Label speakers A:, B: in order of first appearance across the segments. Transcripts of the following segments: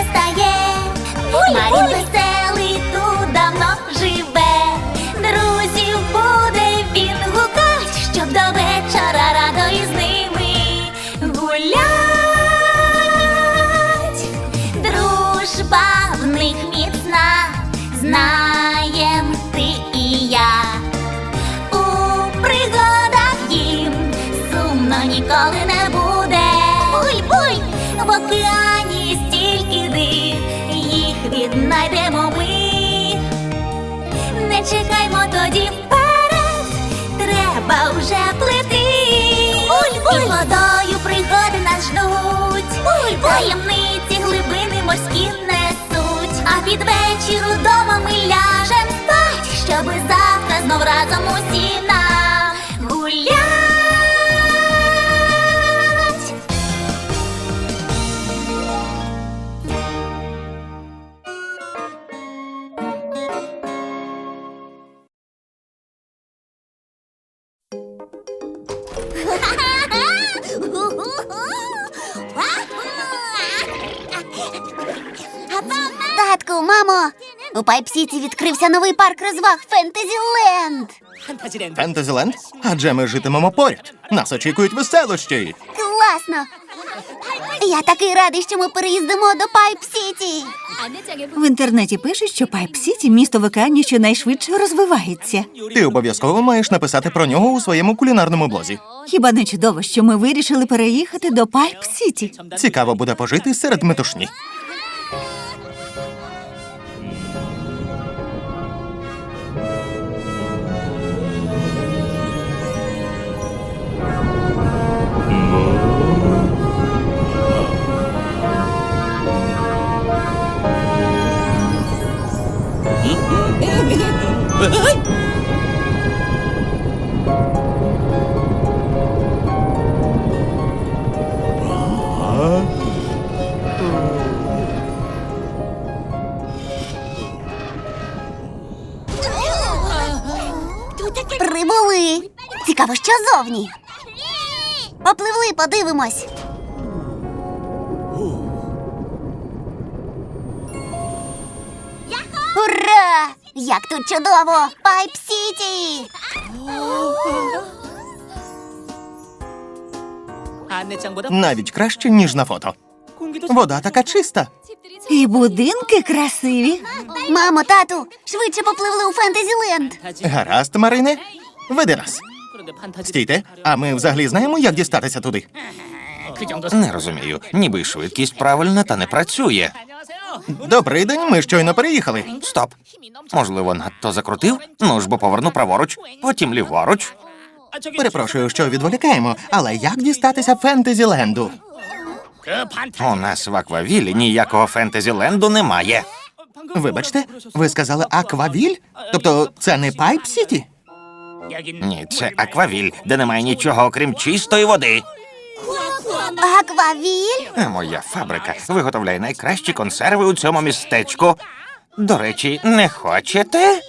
A: стає. Марін веселий тут давно живе. Друзів буде він гукать, щоб до вечора радо із ними гулять. Дружба в них міцна, знаєм ти і я. У пригадах їм сумно ніколи не буде. Буй-буй! В океані стільки див, їх віднайдемо ми. Не чекаймо тоді вперед, треба вже плити. Буль-буль! І водою пригоди нас ждуть. Буль-буль! Таємниці глибини морські несуть. А під вечір удома ми ляжем спать, щоби завтра знов разом усі нам гулять. Татку, мамо, у Пайп-Сіті відкрився новий парк розваг Фентезіленд.
B: Фентезіленд? Адже ми житимемо поряд. Нас очікують веселощі.
A: Класно! Я такий радий, що ми переїздимо до Пайп-Сіті.
C: В інтернеті пишуть, що Пайп-Сіті – місто в океані, що найшвидше розвивається.
B: Ти обов'язково маєш написати про нього у своєму кулінарному блозі.
C: Хіба не чудово, що ми вирішили переїхати до Пайп-Сіті?
B: Цікаво буде пожити серед метушні.
A: Прибули. Цікаво, що зовні. Попливли, подивимось. Ура! Як тут чудово! Пайп-Сіті!
B: Навіть краще, ніж на фото. Вода така чиста.
C: І будинки красиві.
A: Мамо, тату, швидше попливли у Фентезіленд.
B: Гаразд, Марине. Веди нас. Стійте, а ми взагалі знаємо, як дістатися туди?
D: Не розумію. Ніби швидкість правильна, та не працює.
B: Добрий день, ми щойно переїхали.
D: Стоп. Можливо, надто закрутив? Ну ж бо поверну праворуч, потім ліворуч.
B: Перепрошую, що відволікаємо, але як дістатися Фентезіленду?
D: У нас в Аквавілі ніякого Фентезіленду немає.
B: Вибачте, ви сказали Аквавіль? Тобто це не Пайп-Сіті?
D: Ні, це Аквавіль, де немає нічого, окрім чистої води.
A: Аквавіль?
D: А моя фабрика виготовляє найкращі консерви у цьому містечку. До речі, не хочете?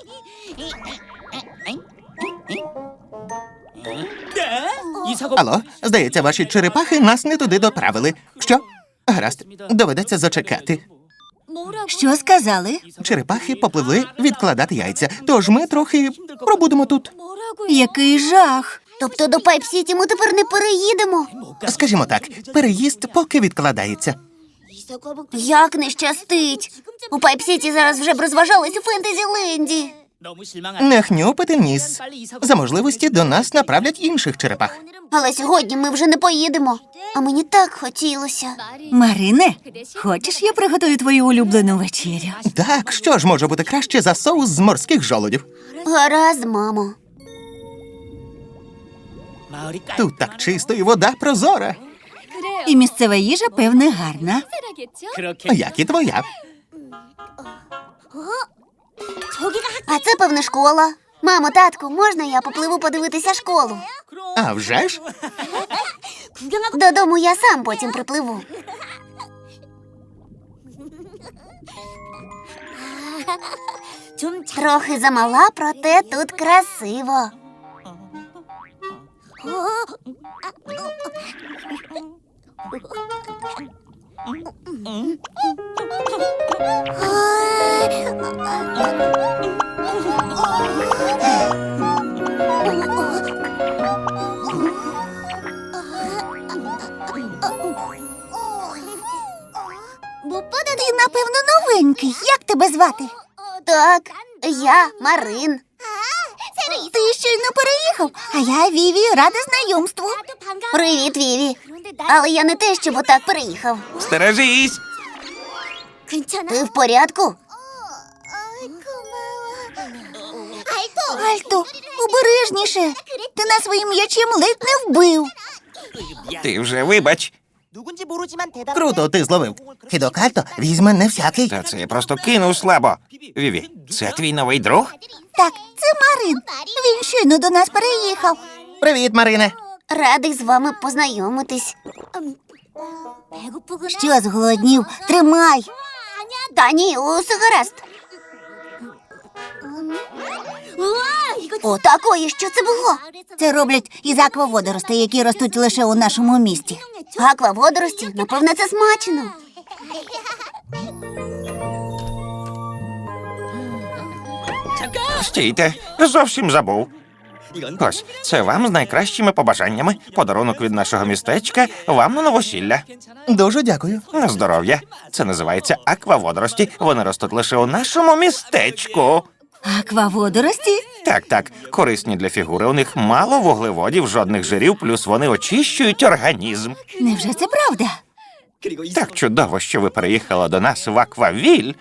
B: Алло, здається, ваші черепахи нас не туди доправили. Що? Гаразд, доведеться зачекати.
C: Що сказали?
B: Черепахи попливли відкладати яйця, тож ми трохи пробудемо тут.
C: Який жах!
A: Тобто до Пайп-Сіті ми тепер не переїдемо?
B: Скажімо так, переїзд поки відкладається.
A: Як не щастить! У Пайп-Сіті зараз вже б розважались у Фентезіленді.
B: Не хнюпити ніс. За можливості до нас направлять інших черепах.
A: Але сьогодні ми вже не поїдемо. А мені так хотілося.
C: Марине, хочеш, я приготую твою улюблену вечерю?
B: Так, що ж може бути краще за соус з морських жолудів?
A: Гаразд, мамо.
B: Тут так чисто і вода прозора.
C: І місцева їжа, певне, гарна.
B: Як і твоя.
A: А це, певне, школа. Мамо, татку, можна я попливу подивитися школу?
B: А вже ж?
A: Додому я сам потім припливу. Трохи замала, проте тут красиво.
C: Ти, напевно, новенький. Як тебе звати?
E: Так, я Марин.
C: Ти щойно переїхав, а я Віві, рада знайомству.
E: Привіт, Віві. Але я не те, щоб отак переїхав.
D: Стережись!
E: Ти в порядку?
C: Альто, обережніше. Ти нас своїм м'ячем ледь не вбив.
D: Ти вже вибач.
B: Круто, ти зловив. Хідок Альто візьме не всякий.
D: Та це я просто кинув слабо. Віві, це твій новий друг?
C: Так, це Марин. Він щойно до нас переїхав.
B: Привіт, Марине.
E: Радий з вами познайомитись.
C: Що зголоднів? Тримай.
E: Та ні, усе гаразд. Отакої, що це було?
C: Це роблять із акваводоростей, які ростуть лише у нашому місті.
E: Акваводорості? Напевне, це смачно.
D: Стійте, зовсім забув. Ось, це вам з найкращими побажаннями. Подарунок від нашого містечка вам на новосілля.
B: Дуже дякую.
D: На здоров'я. Це називається акваводорості. Вони ростуть лише у нашому містечку.
C: Акваводорості?
D: Так, корисні для фігури. У них мало вуглеводів, жодних жирів, плюс вони очищують організм.
C: Невже це правда?
D: Так чудово, що ви переїхали до нас в Аквавіль.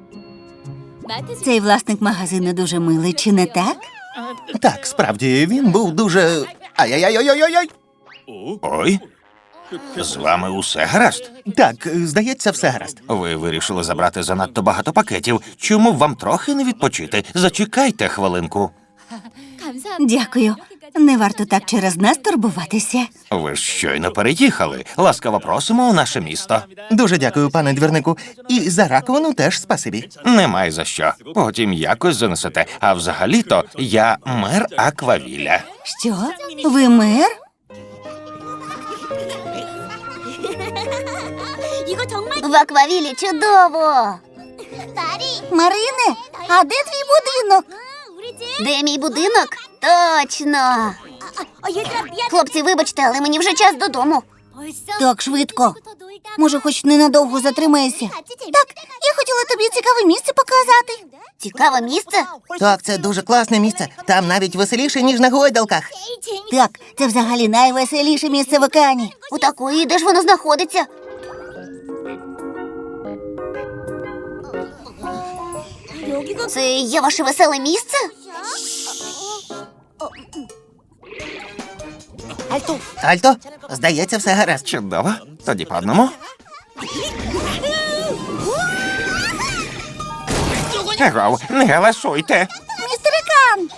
C: Цей власник магазину дуже милий, чи не так?
B: Так, справді, він був дуже. Ай-яй-яй-яй-яй-яй.
D: Ой, з вами усе гаразд?
B: Так, здається, все гаразд.
D: Ви вирішили забрати занадто багато пакетів. Чому б вам трохи не відпочити? Зачекайте хвилинку.
C: Дякую. Не варто так через нас турбуватися.
D: Ви ж щойно переїхали. Ласкаво просимо у наше місто.
B: Дуже дякую, пане двірнику. І за раковину теж спасибі.
D: Немає за що. Потім якось занесете. А взагалі-то я мер Аквавіля.
C: Що? Ви мер?
E: В Аквавілі чудово.
C: Марине, а де твій будинок?
E: Де мій будинок? Точно. Хлопці, вибачте, але мені вже час додому.
C: Так швидко. Може, хоч ненадовго затримаєшся? Так, я хотіла тобі цікаве місце показати.
E: Цікаве місце?
B: Так, це дуже класне місце. Там навіть веселіше, ніж на гойдалках.
C: Так, це взагалі найвеселіше місце в океані.
E: У такої, де ж воно знаходиться? Це є ваше веселе місце?
B: Альто, здається, все гаразд.
D: Чудово. Тоді по одному. Агов, не галасуйте.
C: Містере Кан!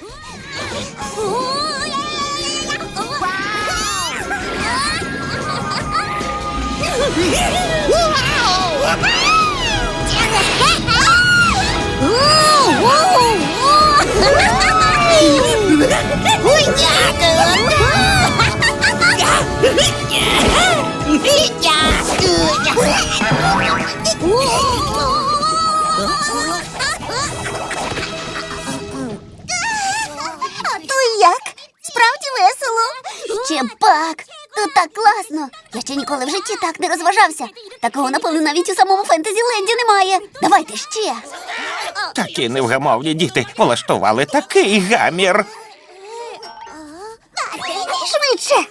C: То як? Справді весело.
E: Ще пак! Тут так класно! Я ще ніколи в житті так не розважався. Такого, напевно, навіть у самому Фентезіленді немає. Давайте ще.
D: Такі невгамовні діти влаштували такий гамір.
C: Швидше.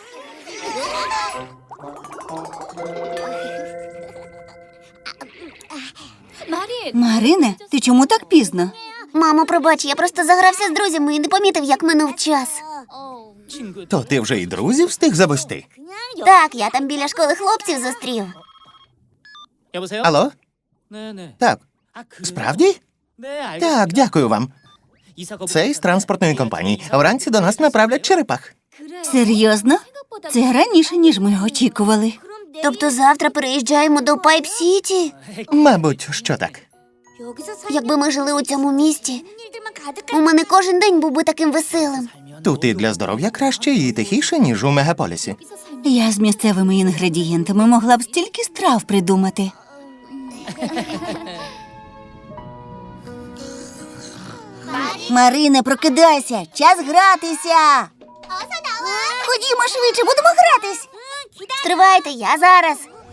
C: Марине, ти чому так пізно?
E: Мамо, пробач, я просто загрався з друзями і не помітив, як минув час.
B: То ти вже і друзів встиг завести?
E: Так, я там біля школи хлопців зустрів.
F: 여보세요?
B: Алло?
F: 네네.
B: Так,
F: 아, 그래요?
B: справді?
F: 네, 알겠습니다.
B: Так, дякую вам.
F: 이사
B: Це із транспортної компанії. Вранці до нас направлять черепах.
C: Серйозно? Це раніше, ніж ми очікували.
E: Тобто завтра переїжджаємо до Пайп-Сіті?
B: Мабуть, що так.
E: Якби ми жили у цьому місті, у мене кожен день був би таким веселим.
B: Тут і для здоров'я краще, і тихіше, ніж у мегаполісі.
C: Я з місцевими інгредієнтами могла б стільки страв придумати. Марине, прокидайся! Час гратися! Ходімо швидше, будемо гратись!
E: Стривайте, я зараз.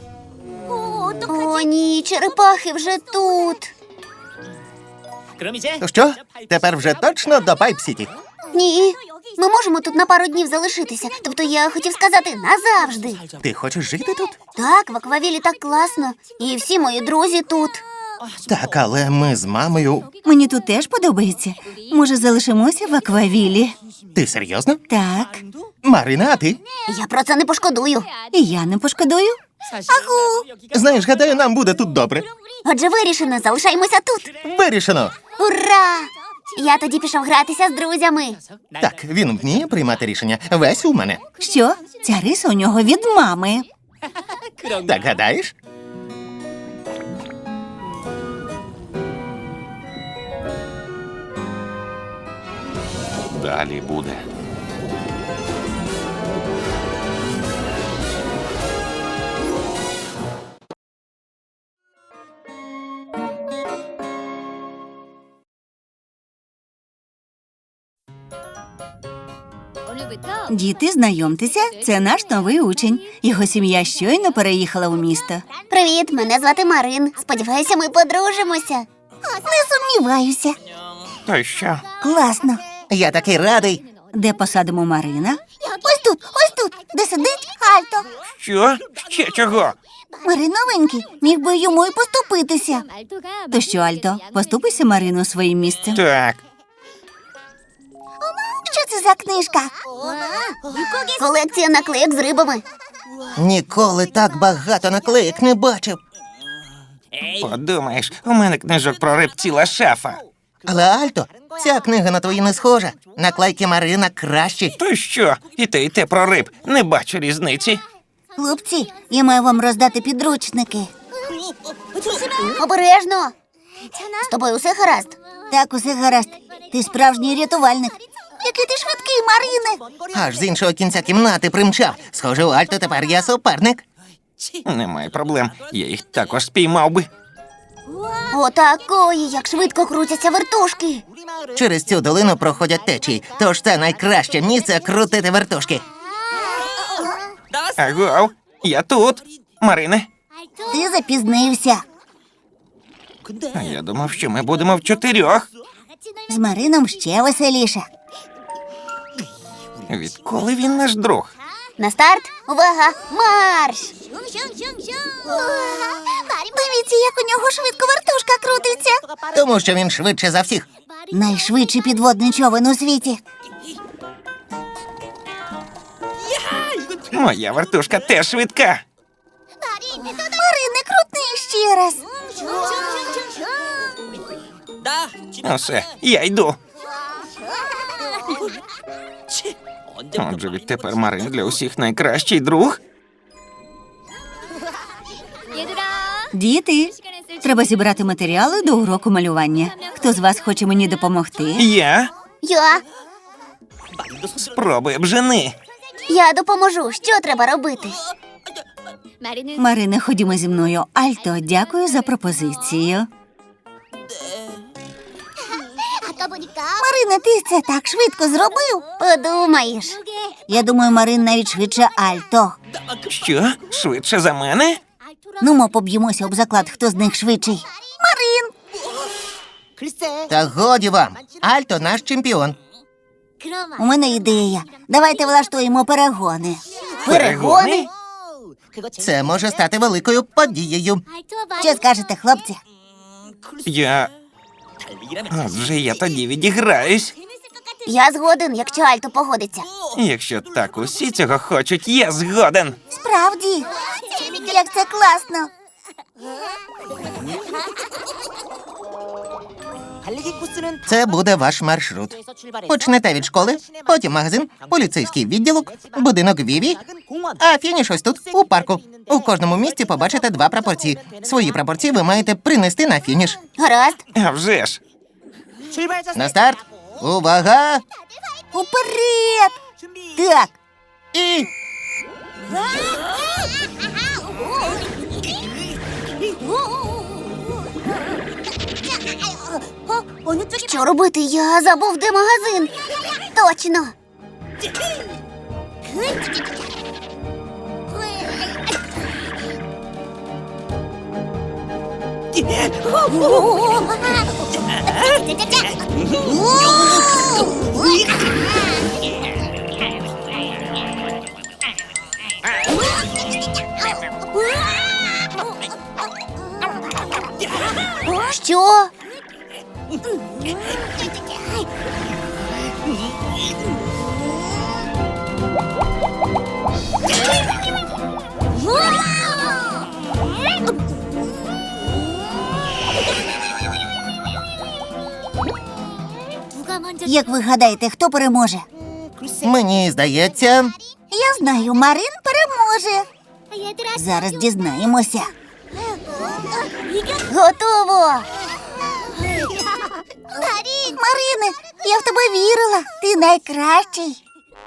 E: О, ні, черепахи вже тут.
F: 그럼 이제
B: То що? Тепер вже точно до Пайп-Сіті.
E: Ні, ми можемо тут на пару днів залишитися. Тобто я хотів сказати назавжди.
B: Ти хочеш жити тут?
E: Так, в аквавілі так класно. І всі мої друзі тут.
B: Так, але ми з мамою.
C: Мені тут теж подобається. Може, залишимося в аквавілі?
B: Ти серйозно?
C: Так,
B: Марина, а ти?
E: Я про це не пошкодую.
C: і я не пошкодую.
B: Знаєш, гадаю, нам буде тут добре.
E: Отже, вирішено, залишаємося тут.
B: Вирішено.
E: Ура! Я тоді пішов гратися з друзями.
B: Так, він вміє приймати рішення. Весь у мене.
C: Що? Ця риса у нього від мами.
B: Так гадаєш?
D: Далі буде.
C: Діти, знайомтеся, це наш новий учень. Його сім'я щойно переїхала у місто.
E: Привіт, мене звати Марин. Сподіваюся, ми подружимося.
C: Не сумніваюся.
D: То що?
C: Класно.
B: Я такий радий.
C: Де посадимо Марина? Ось тут, де сидить Альто.
D: Що? Ще чого?
C: Марин новенький, міг би йому і поступитися. То що, Альто, поступися Марину своїм місцем.
D: Так,
C: Що це за книжка?
E: Колекція наклеїк з рибами.
B: Ніколи так багато наклеїк не бачив.
D: подумаєш, у мене книжок про риб ціла шафа.
B: Але, Альто, ця книга на твої не схожа. Наклейки Марина кращі.
D: То що? І те про риб. Не бачу різниці.
C: Хлопці, я маю вам роздати підручники.
E: Обережно. З тобою усе гаразд?
C: Так, усе гаразд. Ти справжній рятувальник. Який ти швидкий, Марине.
B: Аж з іншого кінця кімнати примчав. Схоже, у Альто тепер я суперник.
D: Немає проблем. Я їх також спіймав би.
E: Отакої, як швидко крутяться вертушки.
B: Через цю долину проходять течії, тож це найкраще місце крутити вертушки.
D: Агов, я тут. Марине,
C: Ти запізнився.
D: а я думав, що ми будемо в 4.
C: З Марином ще веселіше.
D: Відколи він наш друг?
E: На старт, увага, марш!
C: Дивіться, як у нього швидко вертушка крутиться.
B: Тому що він швидше за всіх.
C: Найшвидший підводний човен у світі.
D: Моя вертушка теж швидка.
C: Марине, крутни ще раз.
D: Усе, я йду. Отже, відтепер Марин для усіх найкращий друг.
C: Діти, треба зібрати матеріали до уроку малювання. Хто з вас хоче мені допомогти?
D: Я
E: Я
D: спробую бжени.
E: Я допоможу. Що треба робити?
C: Марине, ходімо зі мною. Альто, дякую за пропозицію. Марине, ти це так швидко зробив?
E: Подумаєш.
C: Я думаю, Марин навіть швидше Альто.
D: Що? Швидше за мене?
C: Ну, ми поб'ємося об заклад, хто з них швидший. Марин!
B: Та годі вам. Альто наш чемпіон.
C: У мене ідея. Давайте влаштуємо перегони.
E: Перегони?
B: Це може стати великою подією.
C: Що скажете, хлопці?
D: Я. Отже, я тоді відіграюсь.
E: Я згоден, якщо Альто погодиться.
D: Якщо так усі цього хочуть, я згоден.
C: Справді? Як це класно!
B: Це буде ваш маршрут. Почнете від школи, потім магазин, поліцейський відділок, будинок Віві, а фініш ось тут, у парку. У кожному місці побачите 2 прапорці. Свої прапорці ви маєте принести на фініш.
E: Гаразд.
D: А вже ж.
B: На старт. Увага!
C: Уперед! Так,
B: І
E: Що робити? Я забув, де магазин. Точно. Що?
C: як ви гадаєте, хто переможе?
B: мені здається,
C: Я знаю, Марин переможе. Зараз дізнаємося.
E: Готово.
C: Марине, я в тебе вірила. Ти найкращий.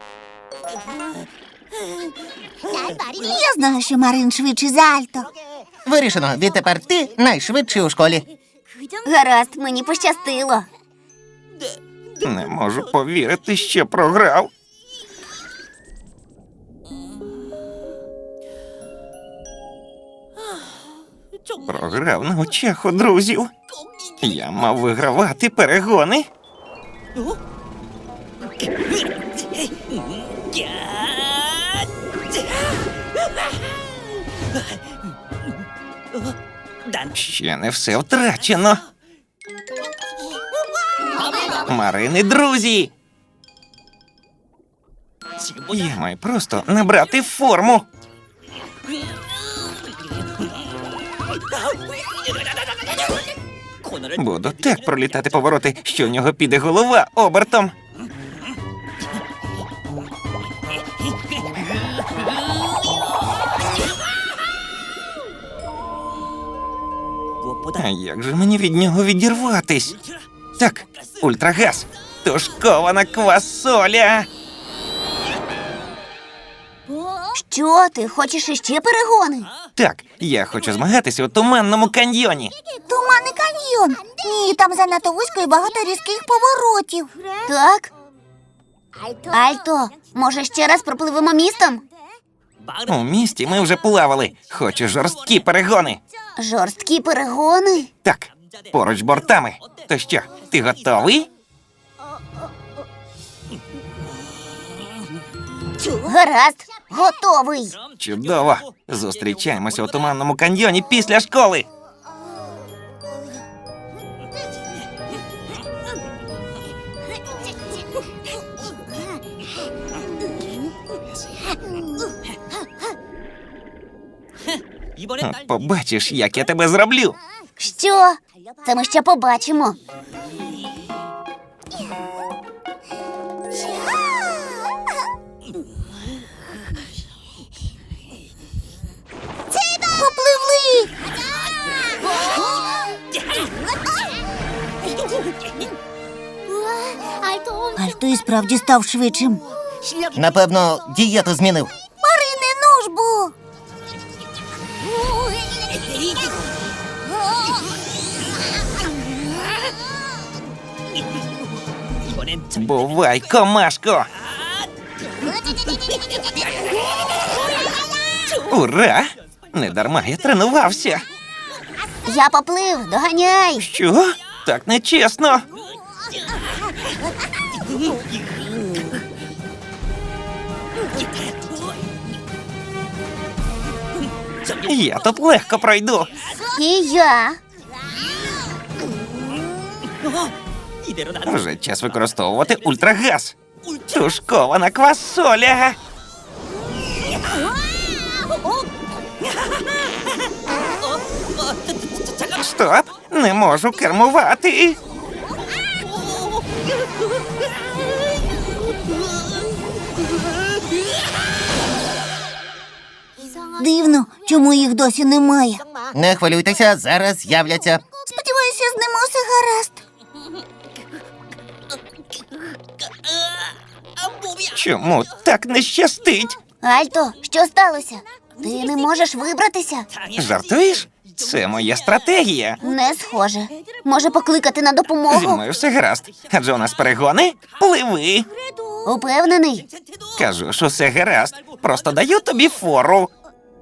C: Я знаю, що Марин швидший за Альто.
B: вирішено, відтепер ти найшвидший у школі.
E: Гаразд, мені пощастило.
D: Не можу повірити, що програв. Програв на очах у друзів. Я мав вигравати перегони. Ще не все втрачено. Марини, друзі! Я маю просто набрати форму. Буду так пролітати повороти, що в нього піде голова обертом. А як же мені від нього відірватись? Так, ультрагаз, тушкована квасоля.
E: Що, ти хочеш іще перегони?
D: Так, я хочу змагатися у туманному каньйоні.
C: Туманний каньйон. Ні, там занадто вузько і багато різких поворотів.
E: Так. Альто, може ще раз пропливемо містом?
D: У місті ми вже плавали. Хочу жорсткі перегони.
E: Жорсткі перегони?
D: Так, поруч бортами. То що, ти готовий?
E: Гаразд, готовий.
D: Чудово. Зустрічаємося у туманному каньйоні після школи. Побачиш, як я тебе зроблю.
E: Що? Це ми ще побачимо.
C: Попливли! Альто і справді став швидшим.
B: Напевно, дієту змінив.
C: Марине, ну ж бо!
D: Бувай, комашко. Ура! Недарма я тренувався.
E: Я поплив, доганяй.
D: Що? Так нечесно. Я тут легко пройду.
E: І я.
D: Вже час використовувати ультрагаз. Тушкована квасоля. Стоп! Не можу кермувати.
C: Дивно, чому їх досі немає.
B: Не хвилюйтеся, зараз з'являться.
C: Сподіваюся, з ними усе гаразд.
D: Чому так не щастить?
E: Альто, що сталося? Ти не можеш вибратися?
D: Жартуєш? Це моя стратегія.
E: Не схоже. Може покликати на
D: Зі
E: допомогу?
D: мною все гаразд. Адже у нас перегони. Пливи.
E: Упевнений?
D: Кажу, що все гаразд. Просто даю тобі фору.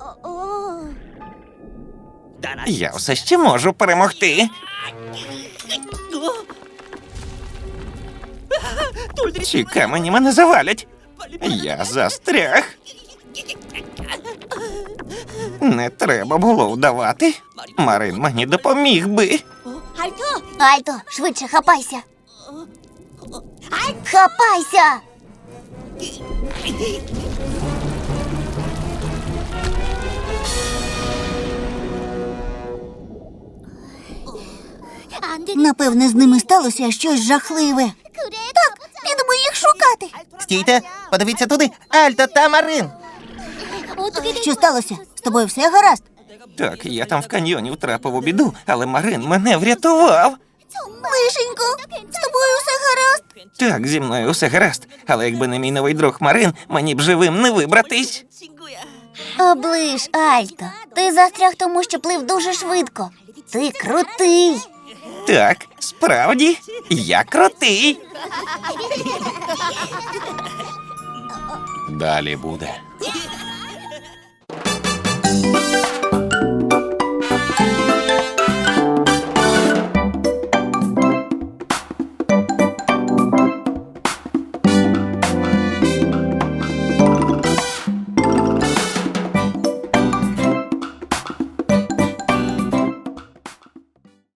D: Я все ще можу перемогти. Ці камені мене завалять. Я застряг. Не треба було вдавати. Марин мені допоміг би.
E: Альто, швидше хапайся. Хапайся!
C: Напевне, з ними сталося щось жахливе. Так, підемо їх шукати.
B: Стійте, подивіться туди. Альто та Марин.
C: Що сталося? З тобою все гаразд?
D: Так, я там в каньйоні втрапив у біду, але Марин мене врятував.
C: Лишенько, з тобою все гаразд?
D: Так, зі мною все гаразд, але якби не мій новий друг Марин, мені б живим не вибратись.
E: Оближ, Альто. Ти застряг тому, що плив дуже швидко. Ти крутий.
D: Так, справді, я крутий.
G: Далі буде.